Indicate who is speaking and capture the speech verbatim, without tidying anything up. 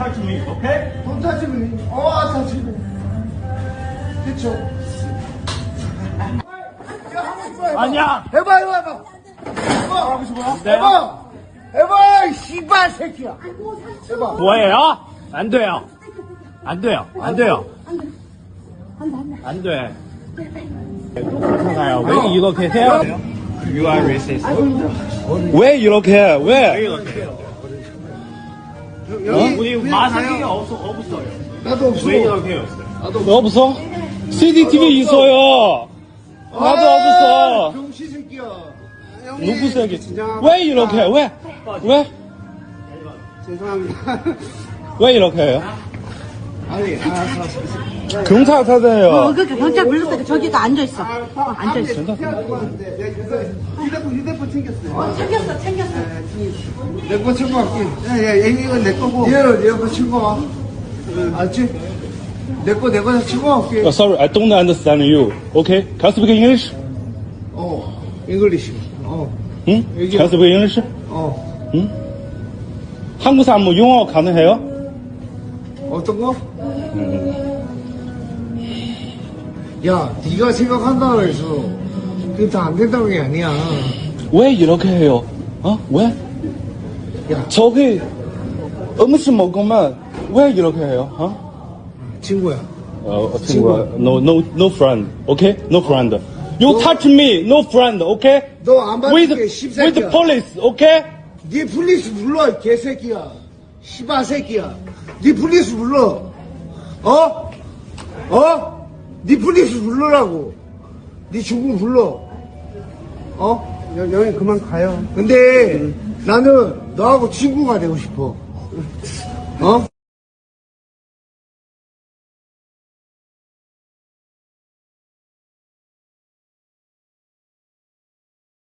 Speaker 1: touch me, okay?
Speaker 2: Don't touch me. Oh, I touch me. 그쵸? 야, 하고 싶어, 해봐.
Speaker 1: 아니야.
Speaker 2: 해봐, 해봐, 해봐. 해봐. 하고 싶어? 해봐. 해봐, 이 씨발 새끼야. 해봐.
Speaker 1: 뭐예요? 안 돼요. 안 돼요. 안 돼요. 안 돼. 또 그렇잖아요. 왜 이렇게 해요? You are racist. 왜 이렇게 해? 왜? 왜 이렇게 해요? 어? 우리 마사기가 없어, 없어요.
Speaker 2: 나도 없어.
Speaker 1: 왜 이렇게 해요?
Speaker 2: 나도
Speaker 1: 없어? 씨씨티비 있어요. 나도 없어.
Speaker 2: 병신 새끼야.
Speaker 1: 누구 새끼? 왜 이렇게 해? 왜? 왜?
Speaker 2: 죄송합니다.
Speaker 1: 왜 이렇게 해요?
Speaker 2: 아니, 알았어, 알았어.
Speaker 1: 경찰
Speaker 3: 어,
Speaker 1: 타세요.
Speaker 3: 그러니까 경찰 불렀어. 저기가 앉아있어. 어, 앉아있어.
Speaker 2: 휴대폰, 휴대폰 챙겼어요.
Speaker 3: 어, 챙겼어, 챙겼어.
Speaker 2: 내 거 챙겨갈게. 야, 야, 이건 내 거고. 얘는 얘거 챙겨와. 알지? 내 거, 내 거 챙겨갈게.
Speaker 1: Oh, sorry, I don't understand you. Okay? Can you speak English?
Speaker 2: 어, 잉글리시. 어,
Speaker 1: 응? Can you speak English?
Speaker 2: 어.
Speaker 1: 응? 한국 사람 뭐 영어 가능해요?
Speaker 2: 어떤 거? 야, 네가 생각한다고 해서 그게 다 안 된다는 게 아니야.
Speaker 1: 왜 이렇게 해요? 어? 왜?
Speaker 2: 야,
Speaker 1: 저기 음식 먹으면 왜 이렇게 해요? 어?
Speaker 2: 친구야.
Speaker 1: 어, 친구야. No, no, no friend. Okay? No friend. You
Speaker 2: 너-
Speaker 1: touch me. No friend. Okay?
Speaker 2: 너 안
Speaker 1: With,
Speaker 2: 받을게,
Speaker 1: with
Speaker 2: 씹새끼야.
Speaker 1: police. Okay?
Speaker 2: 네 플리스 불러, 이 개새끼야. 씨바 새끼야. 네 플리스 불러. 어? 어? 네 플리스 불러라고. 네 중국 불러. 어?
Speaker 4: 여, 여기 그만 가요.
Speaker 2: 근데 나는 너하고 친구가 되고 싶어. 어?